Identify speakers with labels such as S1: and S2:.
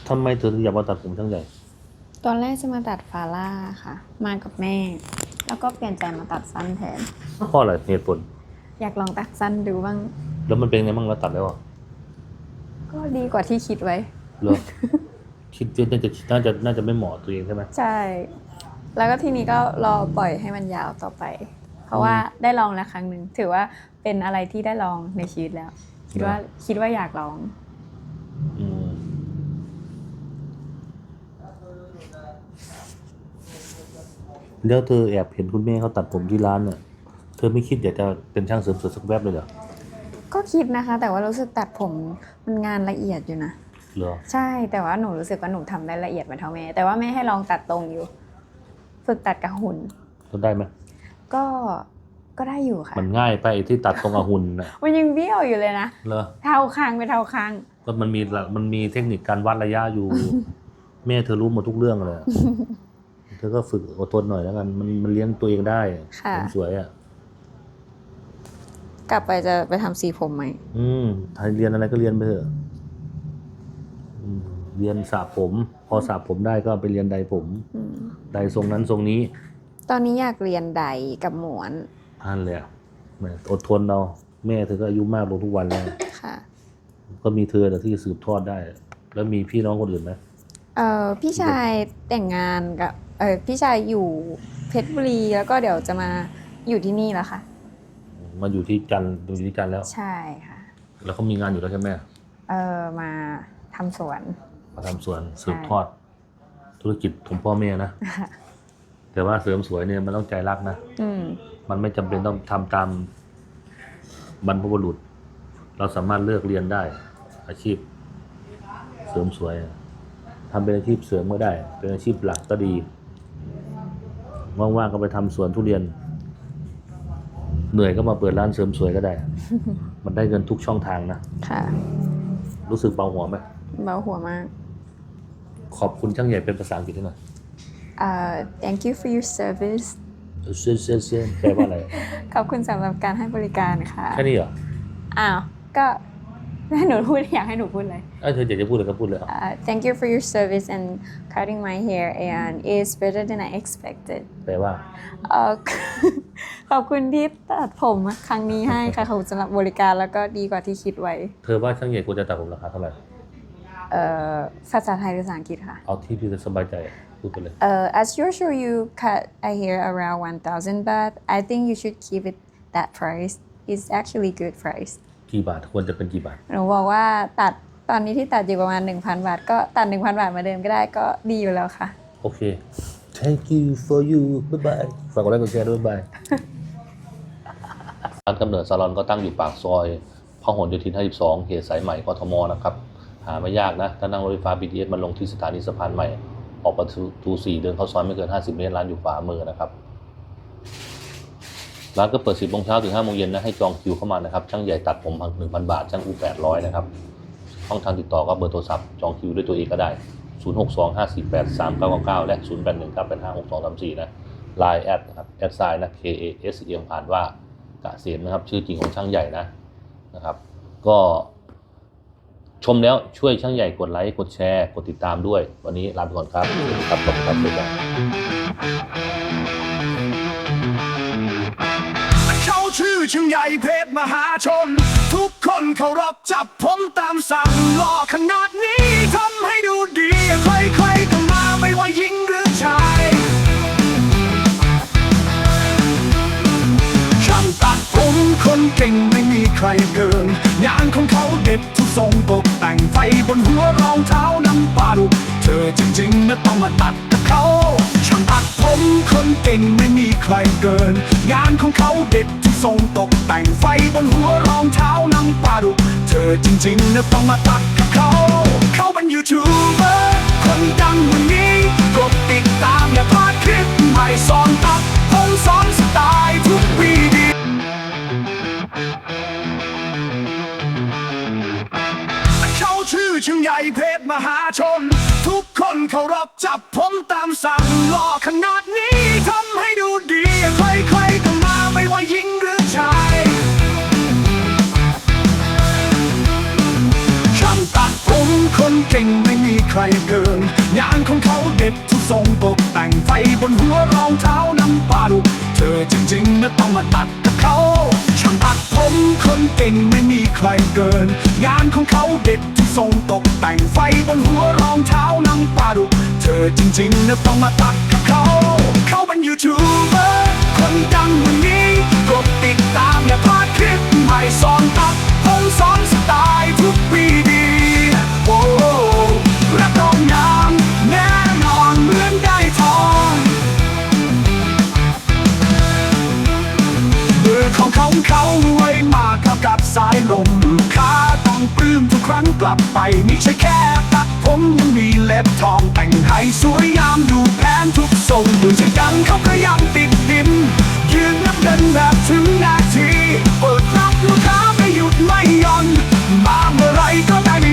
S1: ทำไมเธอถึงอยากมาตัดผมช่างใหญ่
S2: ตอนแรกจะมาตัดฟาร่าค่ะ มากับแม่ แล้วก็เปลี่ยนใจมาตัดสั้นแทน
S1: เพราะอะไรเหตุผล
S2: อยากลองตัดสั้นดูบ้าง
S1: แล้วมันเป็นไงบ้างแล้วตัดแล้ว
S2: ก็ดีกว่าที่คิดไว้
S1: เหรอคิดว่าน่าจะไม่เหมาะตัวเองใช่ไหม
S2: ใช่แล้วก็ทีนี้ก็รอปล่อยให้มันยาวต่อไป เพราะว่าได้ลองแล้วครั้งหนึ่งถือว่าเป็นอะไรที่ได้ลองในชีวิตแล้ว คิดว่าอยากลอง
S1: แล้วเธอแอบเห็นคุณแม่เขาตัดผมที่ร้านเนี่ยเธอไม่คิดอยากจะเป็นช่างเสริมสวยสักแวบเลยเหรอ
S2: ก็คิดนะคะแต่ว่ารู้สึกตัดผมมันงานละเอียดอยู่นะ
S1: เหรอ
S2: ใช่แต่ว่าหนูรู้สึกว่าหนูทำได้ละเอียดเหมือนเท่าแม่แต่ว่าแม่ให้ลองตัดตรงอยู่ฝึกตัดกับหุ่น
S1: ได้ไหม
S2: ก็ได้อยู่ค่ะ
S1: มันง่ายไปที่ตัดตรงกับหุ่นนะ
S2: มันยังเบี้ยวอยู่เลยนะ
S1: เหรอ
S2: เท่าคางไปเท่าคาง
S1: ก็มันมีเทคนิคการวัดระยะอยู่ แม่เธอรู้หมดทุกเรื่องเลยเธอก็ฝึกอดทนหน่อยแล้วกันมันเลี้ยงตัวเองได้สวยอ่ะ
S2: กลับไปจะไปทำสีผมไหม
S1: ถ้าเรียนอะไรก็เรียนไปเถอะเรียนสระผมพอสระผมได้ก็ไปเรียนใดผมใดทรงนั้นทรงนี้
S2: ตอนนี้อยากเรียนใดกับหมวน
S1: นั่นแหละอดทนเราแม่เธอก็อายุมากลงทุกวันแล้ว
S2: ค่ะ
S1: ก็มีเธอแต่ที่สืบทอดได้แล้วมีพี่น้องคนอื่นไหม
S2: พี่ชายแต่งงานกับพี่ชายอยู่เพชรบุรีแล้วก็เดี๋ยวจะมาอยู่ที่นี่แล้วค่ะ
S1: มาอยู่ที่จันทร์แล้ว
S2: ใช่ค่ะ
S1: แล้วเขามีงานอยู่แล้วใช่ไหม
S2: มาทำสวน
S1: สืบทอดธุรกิจของพ่อแม่นะแต่ว่าเสริมสวยเนี่ยมันต้องใจรักนะมันไม่จำเป็นต้องทำตามบรรพบุรุษเราสามารถเลือกเรียนได้อาชีพเสริมสวยทำเป็นอาชีพเสริมก็ได้เป็นอาชีพหลักก็ดีว่างๆก็ไปทำสวนทุเรียนเหนื่อยก็มาเปิดร้านเสริมสวยก็ได้ มันได้เงินทุกช่องทางนะ
S2: ค่ะ
S1: รู้สึกเบาหัวไหม
S2: เบาหัวมาก
S1: ขอบคุณช่างใหญ่เป็นภาษาอังกฤษหน่อย
S2: thank you for your service
S1: เซนแปลว่าอะไร
S2: ขอบคุณสำหรับการให้บริการค่ะ
S1: แค่นี้เหรอ
S2: อ้าวก็ให้หนูพูดอยากให้หนูพูดเลย
S1: เธออยากจะพูดอะไรก็พูดเลย
S2: thank you for your service and cutting my hair and it's better than I expected
S1: แปลว่า
S2: ขอบคุณที่ตัดผมครั้งนี้ให้ค่ะขอบคุณสำหรับบริการแล้วก็ดีกว่าที่คิดไว้
S1: เธอว่าช่างใหญ่ควรจะตัดผมราคาเท่าไหร่
S2: ภาษาไทยหรือภาษาอังกฤษค่ะ
S1: เอาที่พี่สบายใจพูดไปเลย
S2: as usual you cut a hair around 1,000 baht I think you should keep it that price it's actually good price
S1: กี่บาทควรจะเป็นกี่บาท
S2: หนูบอกว่าตัดตอนนี้ที่ตัดอยู่ประมาณ 1,000 บาทก็ตัด 1,000 บาทมาเดิมก็ได้ก็ดีอยู่แล้วค่ะ
S1: โอเค thank you for you bye bye ฝากกดไลค์กดแชร์ด้วยบายร้านกำเนิดซาลอนก็ตั้งอยู่ปากซอยพหลโยธิน 52 เขตสายใหม่กทมนะครับหาไม่ยากนะถ้านั่งรถไฟฟ้า BTS มันลงที่สถานีสะพานใหม่ออกประตู 4เดินเข้าซอยไม่เกิน50 เมตรร้านอยู่ขวามือนะครับร้านก็เปิด 10 โมงเช้าถึง 5 โมงเย็นนะให้จองคิวเข้ามานะครับช่างใหญ่ตัดผม 1,000 บาทช่างอู800นะครับช่องทางติดต่อก็เบอร์โทรศัพท์จองคิวด้วยตัวเองก็ได้0625483999และ0819856234นะ LINE แอดครับแอดไซน์นะ KASEM อ่านว่ากะเกษมนะครับชื่อจริงของช่างใหญ่นะครับก็ชมแล้วช่วยช่างใหญ่กดไลค์กดแชร์กดติดตามด้วยวันนี้ลาไปก่อนครับครับขอบคุณครับ
S3: เขาชื่อช่างใหญ่เพชรมหาชนทุกคนเคารพจับผมตามสั่งหล่อขนาดนี้ทำให้ดูดีใครๆก็มาไม่ว่าหญิงหรือชายช่างตัดผมคนเก่งไม่มีใครเกินงานของเขาเด็ดทุกทรงตกแต่งไฟบนหัวรองเท้าน้ำปลาดุกเธอจริงๆนะต้องมาตัดกับเขาช่างตัดผมคนเก่งไม่มีใครเกินงานของเขาเด็ดทุกทรงตกแต่งไฟบนหัวรองเท้าน้ำปลาดุกเธอจริงๆนะต้องมาตัดกับเขาเป็นยูทูบเบอร์คนดังวันนี้กดติดตามอย่าพลาดคลิปใหม่สอนตัดผมสอนสไตล์ทุกวีดีเขาชื่อช่างใหญ่เพชรมหาชนทุกคนเคารพจับผมตามสั่งหล่อขนาดนี้ทำให้ดูดีใครๆก็มาไม่ว่าหญิงหรือชายช่างตัดผมคนเก่งไม่มีใครใครเกินงานของเขาเด็ดทุกทรงตกแต่งไฟบนหัวรองเท้าน้ำปลาดุกเธอจริงๆนะต้องมาตัดกับเขาช่างตัดผมคนเก่งไม่มีใครเกินงานของเขาเด็ดทุกทรงตกแต่งไฟบนหัวรองเท้าน้ำปลาดุกเธอจริงๆนะต้องมาตัดกับเขาเขาเป็นยูทูบเบอร์คนดังวันนี้กดติดตามอย่าพลาดคลิปใหม่สอนตัดผมสอนสไตล์ทุกปีดีโอ้รับรองงามแน่นอนเหมือนได้ทองมือของเขารวยมากกับสายลมลูกค้าต้องปลื้มทุกครั้งกลับไปไม่ใช่แค่ตัดผมยังมีเล็บทองแต่งให้สวยงามดูแพงทุกทรงดูจะดังเขาก็ยังติดดินยืนนับเดินแบบถึงนาทีเปิดรับลูกค้าไม่หยุดไม่หย่อนมาเมื่อไรก็แต่ง